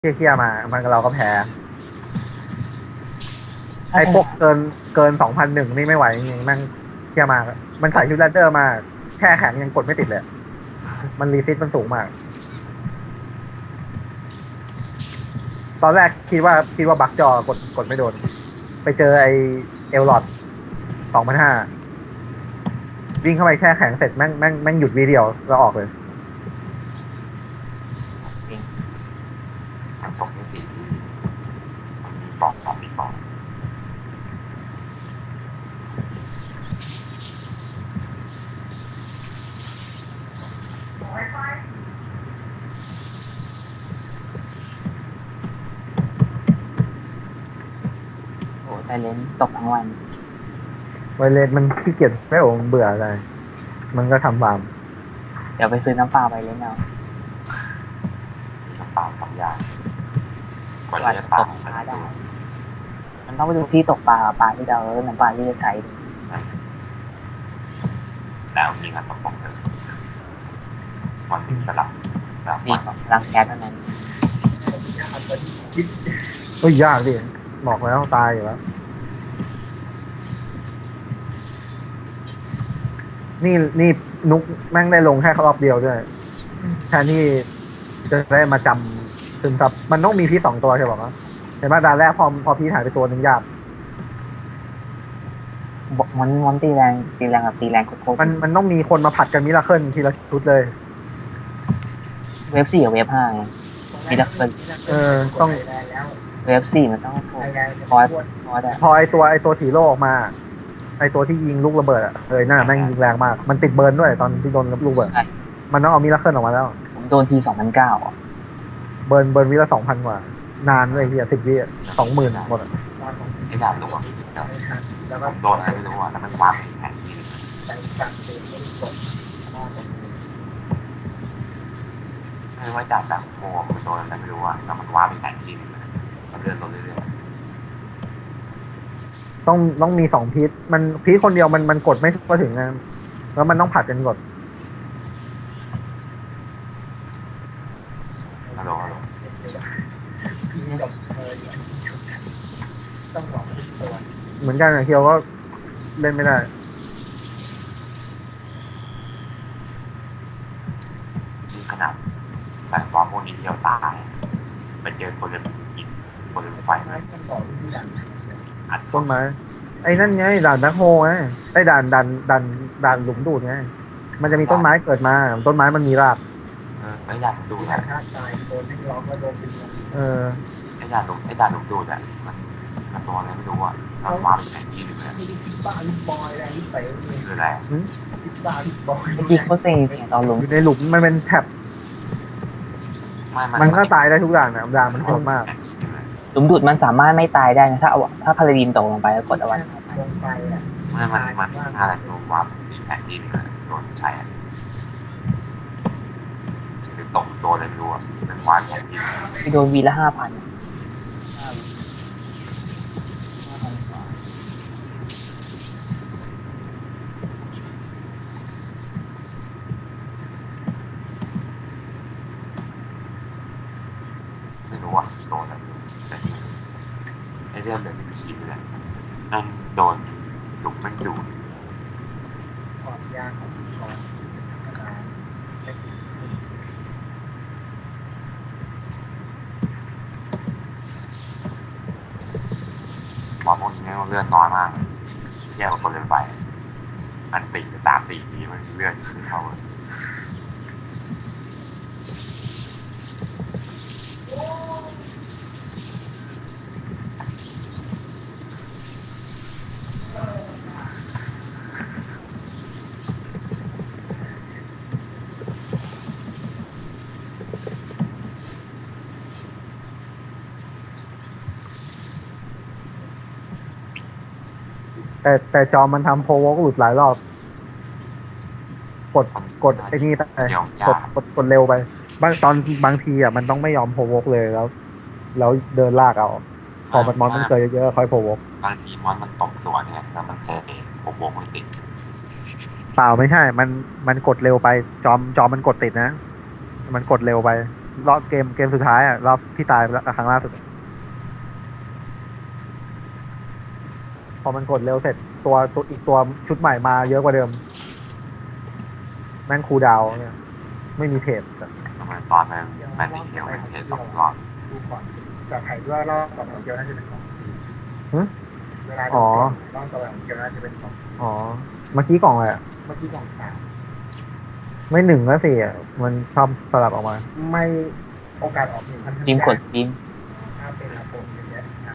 เคี่ยๆมามันเราก็แพ้ไอ้พวกเกิน2001นี่ไม่ไหวจริงๆแม่งเคี่ยมากมันใส่ฮิวแลนเดอร์มาแช่แข็งยังกดไม่ติดเลยมันรีซิตมันสูงมากตอนแรกคิดว่าบักจอกดไม่โดนไปเจอไอเอลลอด2005วิ่งเข้าไปแช่แข็งเสร็จแม่งหยุดวีเดียวแล้วออกเลยจริงมันตกที่สี่มันมีบอกสองมีบอกโอ้แต่เลนตกทั้งวันไวเลสมันขี้เกียจไม่โอ้มันเบื่ออะไรมันก็ทำฟาร์มเดี๋ยวไปซื้อน้ำเปล่าไปเลนเอาน้ำเปล่าทำยากกว่าจะตกปลาได้มันต้องไปดูที่ตกปลาปลาที่เราเล่นน้ำปลาที่จะใช้แล้วมีงานตกปกเลยวันนี้สลับมีรังแก๊สเท่านั้นเฮ้ยยากดิบอกแล้วตายอยู่แล้วนี่นุกแม่งได้ลงแค่รอบเดียวด้วยแทนที่จะได้มาจำซึมซับมันต้องมีพีสองตัวใช่ป่ะเห็นไหมด่านแรกพอพีหายไปตัวหนึ่งยากมันตีแรงกับตีแรงโคตรมันต้องมีคนมาผัดกันมิราเคิลทีละชุดเลยเวฟ4กับเวฟ5ไงมีดักเบิลต้องเวฟ4มันต้องพอไอตัวถีโร่ออกมาไอตัวที่ยิงลูกระเบิดอ่ะนั่นแม่งยิงแรงมากมันติดเบิร์นด้วยตอนที่โดนลูกระเบิดมันต้องเอามิราเคิลออกมาแล้วผมโดนที2009 เบิร์นวิละ2,000 กว่านานเลยเฮีย10 วิ20,000หมดไอ้ดาบหลวงผมโดนอะไรไม่รู้อ่ะแล้วมันวางแผนที่ไม่ว่าจากโมมันโดนอะไรไม่รู้อ่ะแล้วมันวางแผนที่มันเลื่อนลงเรื่อยต้องมี2 พีทมันพีทคนเดียวมันกดไม่ทั่วถึงนะแล้วมันต้องผัดกันกดฮัลโหลเหมือนกันเคียวก็เล่นไม่ได้ขนาดแต่ฟอร์มพวกนี้เที่ยวตายไปเจอคนเล่นหินคนเล่นไฟต้นไม้ไอ้นั่นไงด่านแบ็คโฮไงไอ้ด่านหลุมดูดไงมันจะมีต้นไม้เกิดมาต้นไม้มันมีรากไม่อยากดูนะไอ้ด่านหลุมดูดอ่ะมันตัวอะไรไม่รู้อ่ะมันวางแผนที่เลยคืออะไรเมื่อกี้เขาเซ็งเสียงตอนลงอยู่ในหลุมมันเป็นแท็บมันก็ตายได้ทุกด่านนะด่านมันโหดมากหลุมดูดมันสามารถไม่ตายได้นะถ้าพาราดินตกลงไปแล้วกดเอาไว้ลงไปอ่ะมันอะไรตัววาร์ปมีแผนที่โดนใช้หรือตกโดนอะไรไม่รู้อ่ะเป็นวาร์ปแผนที่โดนวีละ5,000ไม่รู้อ่ะโดนอะไรแต่ไอ้เรื่องแบบนี้คิดเลยนั่นโดนหลุมมันดูดความยากของหมอพวกนี้เลือดน้อยมากแย่กว่าคนเล่นไปมัน3-4 ทีมันเลือดขึ้นเขาแต่จอมันทำโพวกหลุดหลายรอบกดไอ้นี่ไปกดเร็วไปบางทีอ่ะมันต้องไม่ยอมโพวกเลยแล้วเดินลากเอาพอมันมอนมันเจอเยอะๆค่อยโพวกบางทีมันตกสวนเนี่ยแล้วมันเซฟเองผมวงไม่ติดเปล่าไม่ใช่มันกดเร็วไปจอมันกดติดนะมันกดเร็วไปรอบเกมสุดท้ายอ่ะรอบที่ตายครั้งล่าสุดพอมันกดเร็วเสร็จตัวอีกตัวชุดใหม่มาเยอะกว่าเดิมแม่งคูลดาวน์เนี่ยไม่มีเพจทำไมตอนนั้นแมนนี่เทลเป็นเทส2 รอบดูก่อนแต่ไผ่ด้วยรอบต่อไปของเกียวน่าจะเป็นของหึเวลาอ๋อรอบต่อไปของเกียวน่าจะเป็นของอ๋อเมื่อกี้กล่องอะไรอ่ะเมื่อกี้ของสามไม่หนึ่งก็สี่อ่ะมันชอบสลับออกมาไม่โอกาสออก1,000 พิมพ์กดพิมพ์ถ้าเป็นระบบเ